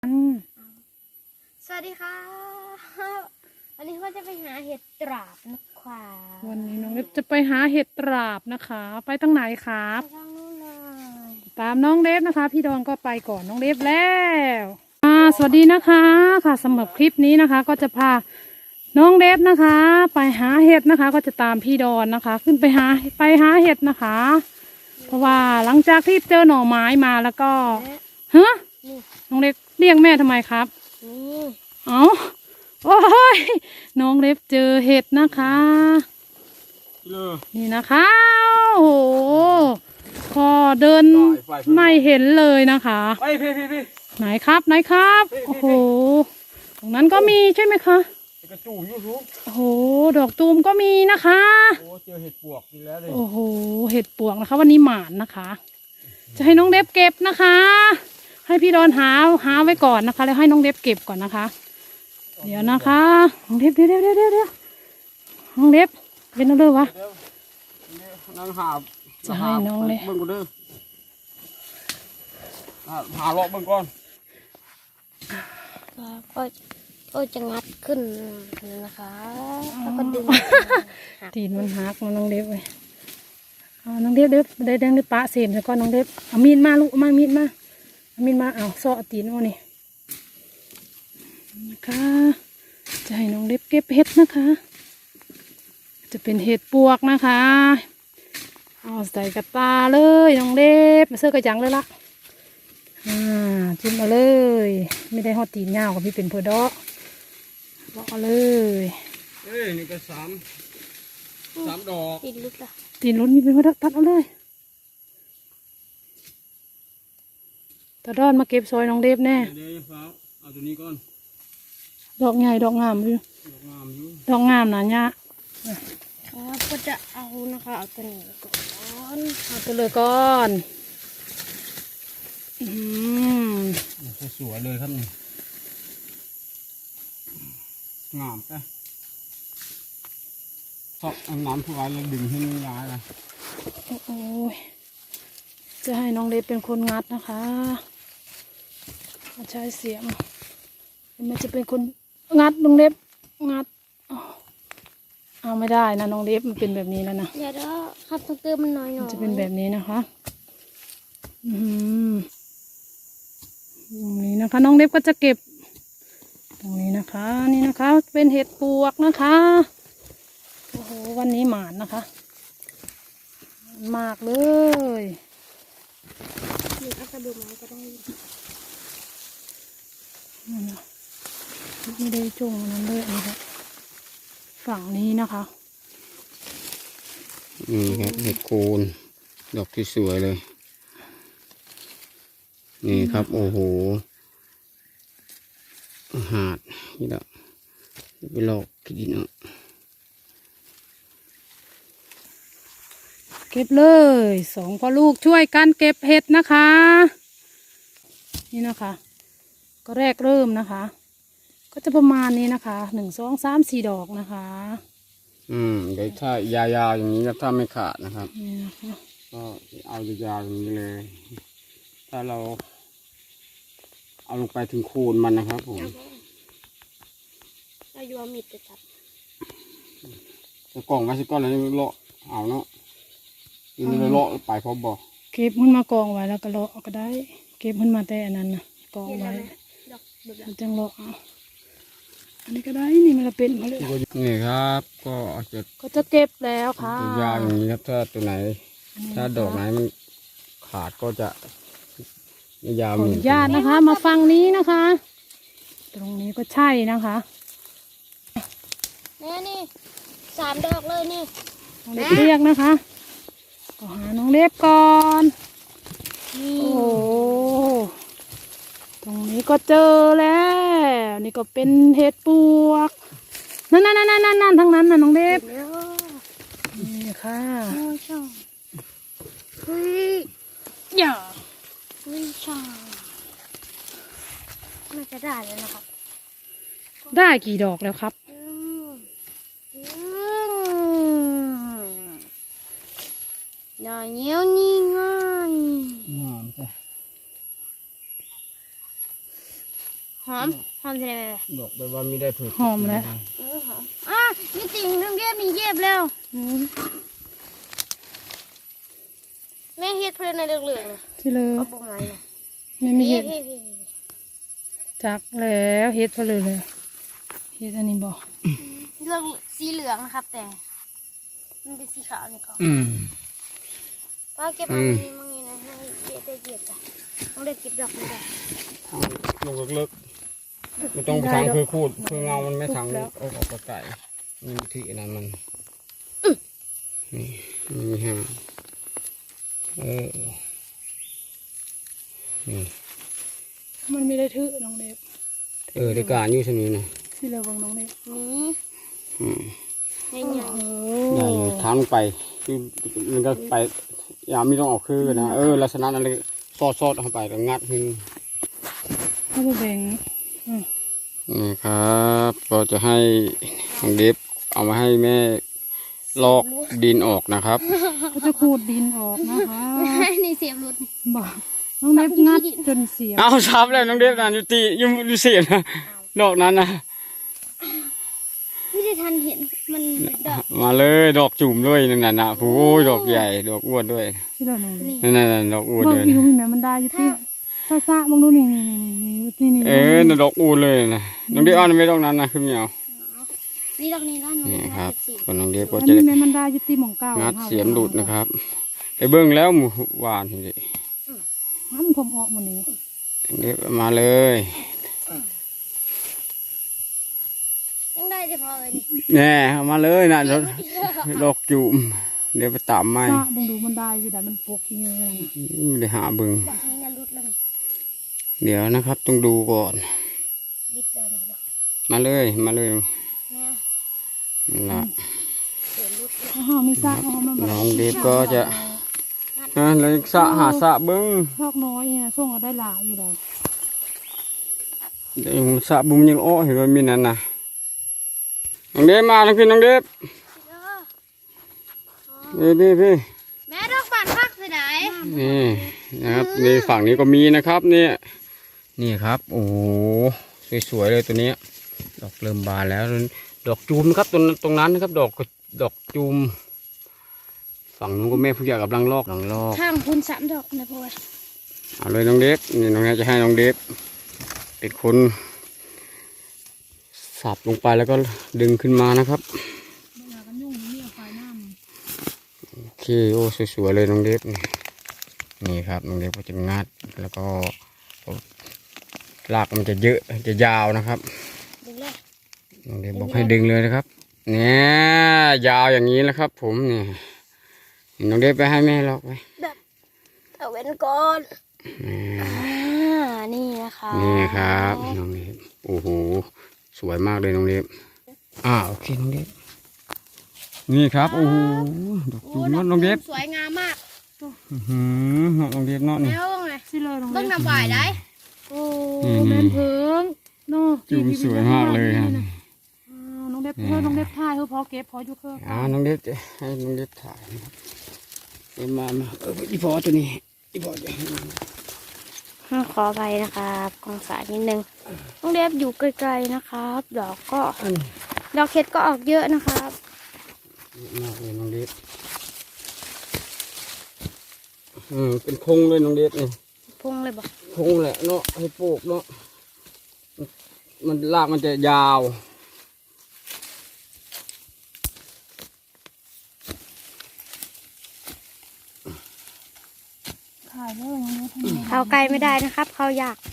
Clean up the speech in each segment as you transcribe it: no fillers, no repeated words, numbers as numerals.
สวัสดีค่ะวันนี้ก็จะไปหาเห็ดตราบนะคะวันนี้น้องเล็บจะไปหาเห็ดตราบนะคะ ไปทางไหนครับไปทางนู้นเลยตามน้องเล็บนะคะ พี่ดอนก็ไปก่อนน้องเล็บแล้วสวัสดีนะคะค่ะสำหรับคลิปนี้นะคะ ก็จะพาน้องเล็บนะคะ ไปหาเห็ดนะคะ ก็จะตามพี่ดอนนะคะ ขึ้นไปหาเห็ดนะคะ เพราะว่าหลังจากที่เจอหน่อไม้มาแล้วก็ฮะนี่น้องเล็บเรียกแม่ทำไมครับนี่เอาโอ้ยน้องเล็บเจอเห็ดนะคะนี่นะคะโอ้โหพอเดินไม่เห็นเลยนะคะไหนครับโอ้โหตรงนั้นก็มีใช่ไหมคะกระจูยูทูบโอ้โหดอกตูมก็มีนะคะโอ้เจอเห็ดปวกอีกแล้วเลยโอ้โหเห็ดปวกนะคะวันนี้หมานนะคะ จะให้น้องเล็บเก็บนะคะ ให้พี่ดอนหาไว้ก่อนนะคะแล้วให้น้องเล็บเก็บก่อนนะคะเดี๋ยวนะคะน้องเล็บเดี๋ยวน้องเล็บเป็นอะไรวะนั่งจะให้น้องเลยเบิ่งกูเด้อหาเลาะเบิ่งก่อนก็จะงัดขึ้นนะคะแล้วก็ดึงตีนมันหักมันน้องเล็บเลยน้องเล็บได้แดงได้ปะเสียมแล้วก็น้องเล็บเอามีดมาลูกมามีดมาเอาซ้อตีนเอานี่นะคะจะให้น้องเล็บเก็บเห็ดนะคะ จะเป็นเห็ดปวกนะคะเอาใส่กระตาเลยน้องเล็บมาเสื้อกระจังเลยละจิ้มมาเลยไม่ได้หอดตีนเงากับพี่เป็นเพอดอกเลาะเลยนี่ก็สามดอกตีนลุกละตีนลุ้นมีเป็นเพอดอกตัดเอาเลยตาดอนมาเก็บซอยน้องเล็บแน่เดี๋ยวฟ้าเอาตัวนี้ก่อนดอกใหญ่ดอกงามอยู่ดอกงามนะเนี่ยครับก็จะเอานะคะเอาตัวนี้ก่อนเอาตัวเลยก่อนสวยเลยครับนี่งามไปชอบเอาน้ำทุกวันแล้วดึงให้มันย้ายเลยโอ้ยจะให้น้องเล็บเป็นคนงัดนะคะใช้เสียมมันจะเป็นคนงัดน้องเล็บงัดเอาไม่ได้นะน้องเล็บมันเป็นแบบนี้แล้วนะเดี๋ยวครับต้องเติมมันหน่อยมันจะเป็นแบบนี้นะคะตรงนี้นะคะน้องเล็บก็จะเก็บตรงนี้นะคะนี่นะคะเป็นเห็ดปวกนะคะโอ้โหวันนี้หมานนะคะมากเลยนี่เอากระดูกไม้ก็ได้ไม่ได้จุ่มนั้นเลยนะคะฝั่งนี้นะคะนี่ครับเห็ดโคนดอกที่สวยเลยนี่ครับโอ้โหหาดนี่แหละไปหลอกกินเนาะเก็บเลยสองพ่อลูกช่วยกันเก็บเห็ดนะคะนี่นะคะก็แรกเริ่มนะคะก็จะประมาณนี้นะคะ1 2 3 4ดอกนะคะเดี๋ยวถ้ายาวๆอย่างนี้ถ้าไม่ขาดนะครับนี่นะคะก็เอายาวๆอย่างนี้เลย ถ้าเราเอาลงไปถึงโคนมันนะครับผมเราอยู่เอามีดจะจับจะกล่องไว้สักก้อนแล้วเลาะเอาเนาะนี่เลาะไปพร้อมบ่เก็บมันมากองไว้แล้วก็เลาะก็ได้เก็บมันมาแต่อันนั้นนะกองไว้มันจังเลาะอันนี้ก็ได้นี่มันเป็นมาเลยนี่ครับก็จะเก็บแล้วค่ะยาวอย่างนี้ครับถ้าตัวไหนถ้าดอกไหนมันขาดก็จะยาวขออนุญาตนะคะมาฟังนี้นะคะ ตรงนี้ก็ใช่นะคะนี่3 ดอกเลยนี่น้องเล็บเรียกนะคะก็หาน้องเล็บก่อนโอ้โหตรงนี้ก็เจอแล้วนี่ก็เป็นเห็ดปวกนั่นทั้งนั้นน่ะน้องเล็บนี่ค่ะเฮ้ยอย่าช่างน่าจะได้เลยนะครับได้กี่ดอกแล้วครับอย่างเงี้ยนี่ง่ายหอมหอมจะได้ไหมบอกไปว่าไม่ได้ถูกหอมแล้วหอมนี่ติ่งน้ำเย็บนี่เย็บแล้วแม่เฮ็ดเพื่อนในเหลืองๆที่เลยเอาบุกไม้เลยไม่มีเห็ดพี่จักแล้วเห็ดเพอเลยเห็ดอันนี้บอกเรื่องสีเหลืองนะครับ แต่มันเป็นสีขาวนี่เขา ป้าเก็บอันนี้มั่งนี่นะให้เย็บได้เย็บจ้ะต้องได้เก็บดอกนี้ได้ลงเลิกๆไม่ต้องไปทางคือคูดคือเงามันไม่ทางออกไก่นี่ที่นั้นมันนี่มีฮะนี่มันไม่ได้ถือน้องเด็บได้การอยู่สนี้นะที่เลยวังน้องเด็บนี่ใหญ่ได้เลยทางลงไปคือมันก็ไปยามไม่ต้องออกคือนะลักษณะนั้นเลยซอดเข้าไปแล้วงัดขึ้นเข้าไปแบ่งนี่ครับก็จะให้น้องเดฟเอามาให้แม่ลอกดินออกนะครับก็จะขูดดินออกนะคะๆนี่เสียบรุดบอกน้องเด็บงัดจนเสียเอาซับเลยน้องเดฟนะอยู่เสียนะดอกนั้นนะไม่ได้ทันเห็นมันเป็นดอกมาเลยดอกจุ่มด้วยนั่นน่ะโอ้ยดอกใหญ่ดอกอ้วนด้วยที่เลยน้องเด็บนั่นดอกอ้วนบางเลยทีก็มีแม่มันได้อยู่ที่ซ่าๆบางดูนี่นี่นั่นดอกอ้วนเลยนะน้องเดฟเอาไม่ดอกนั้นนะคือไม่เอานี่ดอกนี้ด้านนู้นนี่นะครับคนน้องเดฟก็อันจะนี้แม่มันได้อยู่ที่หม่องเก้างัดเสียมหลุดนะครับไปเบิ้งแล้วหมูหวานทีนี้มันคมออกหมดนี้เดฟมาเลยยังได้จะพอเลยนี่แน่เอามาเลยนะดอกจุ่มเดี๋ยวไปตามไม้ซ่าบางดูมันได้อยู่แต่มันปกเยอะเลยไม่ได้หาเบิ้งดอกนี้นะรุดแล้วนี่เดี๋ยวนะครับต้องดูก่อนดิบเดินนี่ดอกมาเลยแม่นั่นละเสียบรุดเลยอ๋อมีซ่าอ๋อมันแบบน้องเดฟก็จะเลยหาสะเบิ้งพอกน้อยเนี่ยส่งเอาได้หลายอยู่เลยเดี๋ยวสะบุ้มยังอ้อเห็นว่ามีนั่นนะน้องเดฟมาทั้งพี่น้องเดฟพี่แม่ดอกบานพักสิไหนนี่นะครับนี่ฝั่งนี้ก็มีนะครับเนี่ยนี่ครับโอ้โหสวยๆเลยตัวนี้ดอกเริ่มบานแล้วดอกจูมนะครับตรงนั้นนะครับดอกจูมฝั่งนู้นก็แม่ผู้ใหญ่กำลังลอกข้างคุณ3 ดอกนะพ่อเอาเลยน้องเดฟนี่น้องเดฟจะให้น้องเดฟเป็นคนสับลงไปแล้วก็ดึงขึ้นมานะครับกันยุ่งนี่เอาไฟน้โอเคโอ้สวยๆเลยน้องเดฟนี่ครับน้องเดฟก็จะงัดแล้วก็รากมันจะเยอะจะยาวนะครับดึงเลยน้องเดฟบอกให้ดึงเลยนะครับเนี่ยยาวอย่างนี้นะครับ ผมเนี่ยน้องเดฟไปให้แม่ลอกไปเอาเว้นก่อนนี่นะคะนี่ครับน้องเดฟโอ้โหสวยมากเลยน้องเดฟโอเคน้องเดฟนี่ครับโอ้โหดอกจูมน้องเดฟสวยงามมากน้องเดฟเนาะนี่แล้วไงำสิเลยลงเบิ่งน้ำหวายได้โอ้แม่นเพิงเนาะจูมสวยมากเลยครับน้องเด็บเพื่อน้องเด็บถ่ายพอเก็บพออยู่เครื่องน้องเดฟจะให้น้องเดฟถ่ายนะครับเดี๋ยวมาอีพอตัวนี้อีพอจะขอไปนะครับกองสายนิดนึงต้องเดฟอยู่ไกลๆนะครับ ดอกเห็ดก็ออกเยอะนะครับมากเลยน้องเดฟเป็นพงเลยน้องเดฟนี่พุ่งเลยบอกพงแหละเนาะให้ปลูกเนาะมันรากมันจะยาวถ่ายได้เลยเขาไกลไม่ได้นะครับ เขาอยาก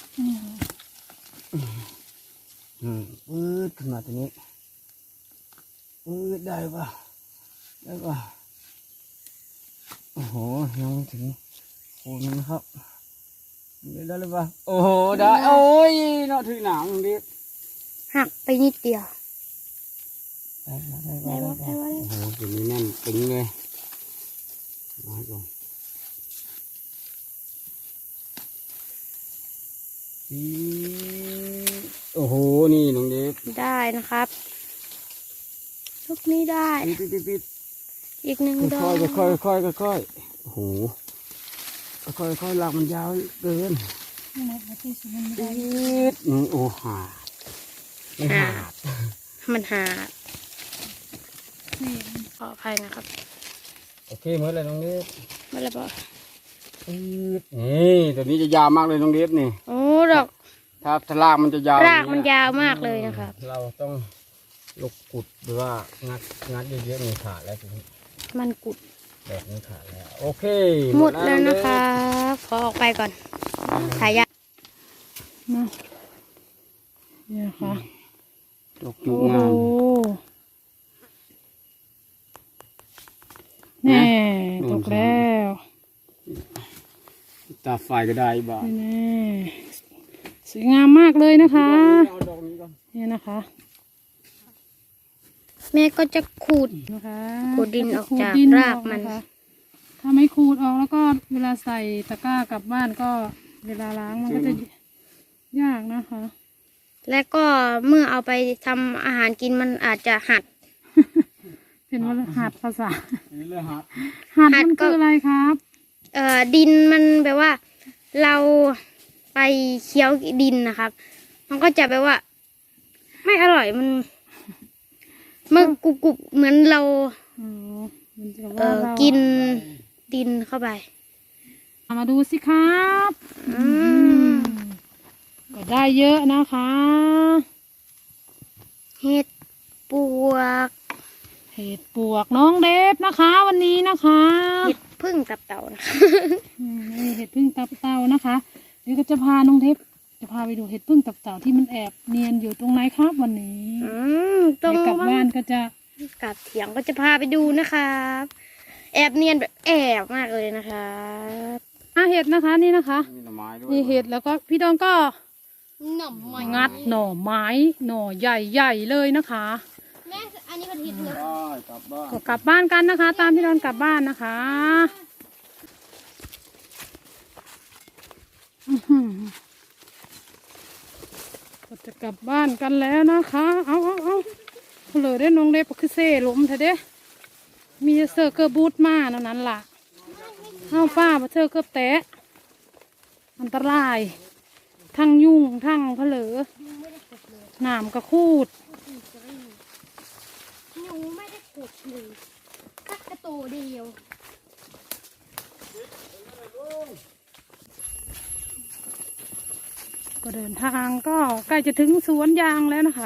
ปื๊ดขึ้นมาตัวนี้ปื๊ดได้ป่ะโอ้โหยังไม่ถึงโคนมันนะครับได้หรือเปล่าโอ้โหได้โอ้ยเนาะถือหนังดิหักไปนิดเดียวได้โอ้โหตัวนี้แน่นตึงเลยมาก่อนโอ้โหนี่น้องเดฟได้นะครับลูกนี้ได้ปิดอีก1 ดอกค่อยโอ้โหค่อยลากมันยาวเกินโอ้หาไม่หาดมันหาขออภัยนะครับโอเคเมื่อไรน้องเดฟไม่เลยบอกนี่ตัวนี้จะยาวมากเลยน้องเดฟนี่โอ้ดอกถ้ารากมันจะยาวรากมันยาวมากเลยนะครับเราต้องลูกกุดหรือว่างัดเยอะๆนี่ขาดแล้วทีนี้มันกุดแบบนี้ขาดแล้วโอเคหมดแล้วนะคะขอออกไปก่อนถ่ายยามาเนี่ยค่ะดอกจุโอ้กงามแน่ตกแล้วตาไฟก็ได้บ้างแน่สวยงามมากเลยนะคะเอาดอกนี้ก่อนเนี่ยนะคะแม่ก็จะขูดนะคะขูดดินออกจากขูดดินรากมันออนะคะถ้าไม่ขูดออกแล้วก็เวลาใส่ตะกร้ากลับบ้านก็เวลาล้างมันก็จะยากนะคะและก็เมื่อเอาไปทำอาหารกินมันอาจจะหัดเป็นว่าหัดภาษานี่เลยฮะหัดหัดมันก็คืออะไรครับดินมันแบบว่า เราไปเคี้ยวดินนะครับ มันก็จะแบบว่า ไม่อร่อยมันกรุบๆเหมือนเราอ๋อมันจะว่าเรากินดินเข้าไปมาดูสิครับอืมก็ได้เยอะนะคะเห็ดปวกเห็ดปวกน้องเดฟนะคะ วันนี้นะคะเห็ดพึ่งตับเต่านะคะนี่เห็ดพึ่งตับเต่านะคะเดี๋ยวก็จะพาน้องเดฟจะพาไปดูเห็ดพึ่งตับเต่าที่มันแอบเนียนอยู่ตรงไหนครับวันนี้ตรงเดี๋ยวกลับบ้านก็จะกลับเถียงก็จะพาไปดูนะครับแอบเนียนแบบแอบมากเลยนะครับเห็ดนะคะนี่นะคะมีหน่อไม้ด้วยนี่เห็ดแล้วก็พี่ดอนก็หน่อไม้งัดหน่อไม้หน่อใหญ่ๆเลยนะคะแม่อันนี้เป็นเห็ดเลยได้กลับบ้านก็กลับบ้านกันนะคะ ตามพี่ดอนกลับบ้านนะคะอื้อหือก็จะกลับบ้านกันแล้วนะคะ เอาเลยได้น้องเล็บคือเซ่ล้มเถอะเด้มีเซอร์เกอร์บูทมาเท่านั้นล่ะเอาป้ามาเซอร์เกอร์แตะอันตรายทั้งยุ่งทั้งเพลอหนามกระคูดหนูไม่ได้ขุดเลยสักกระโตเดียวก็เดินทางก็ใกล้จะถึงสวนยางแล้วนะคะ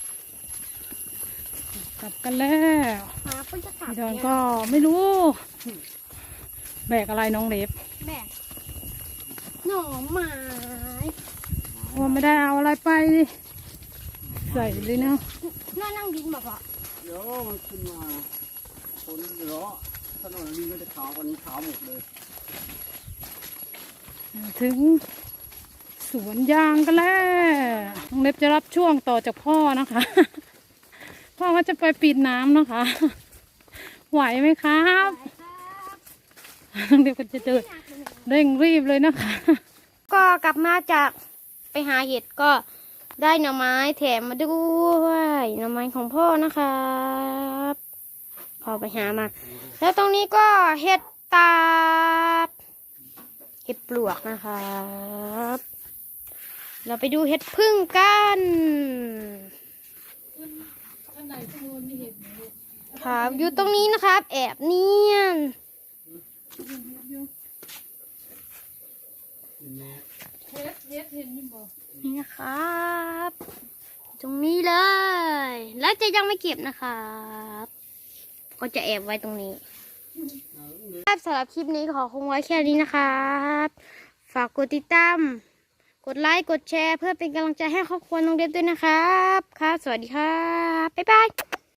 กลับกันแล้วหาคนจะตัดพี่ดอนก็ไม่รู้ แบกอะไรน้องเล็บแบกหน่อไม้ว่าไม่ได้เอาอะไรไปใส่เลยเนาะน่านั่งดินแบบว่าเดี๋ยวมันขึ้นมาคนเดี๋ยวถนนนี้ก็จะขาวกว่านี้ขาวหมดเลยถึงสวนยางกันแล้วน้องเล็บจะรับช่วงต่อจากพ่อนะคะ พ่อก็จะไปปิดน้ำนะคะ ไหวไหมครับน้องเล็บก็จะเดินเร่งรีบเลยนะคะก็กลับมาจากไปหาเห็ดก็ได้หน่อไม้แถมมาด้วยหน่อไม้ของพ่อนะครับพอไปหามา แล้วตรงนี้ก็เห็ดตาบเห็ดปลวกนะครับ เราไปดูเห็ดพึ่งกันครับอยู่ตรงนี้นะครับ แอบเนียนนี่นะครับ ตรงนี้เลย แล้วจะยังไม่เก็บนะครับ ก็จะแอบไว้ตรงนี้ครับสำหรับคลิปนี้ขอคงไว้แค่นี้นะครับ ฝากกดติดตาม กดไลค์ กดแชร์เพื่อเป็นกำลังใจให้ครอบครัวน้องเดฟด้วยนะครับ ครับ สวัสดีครับ บ๊ายบาย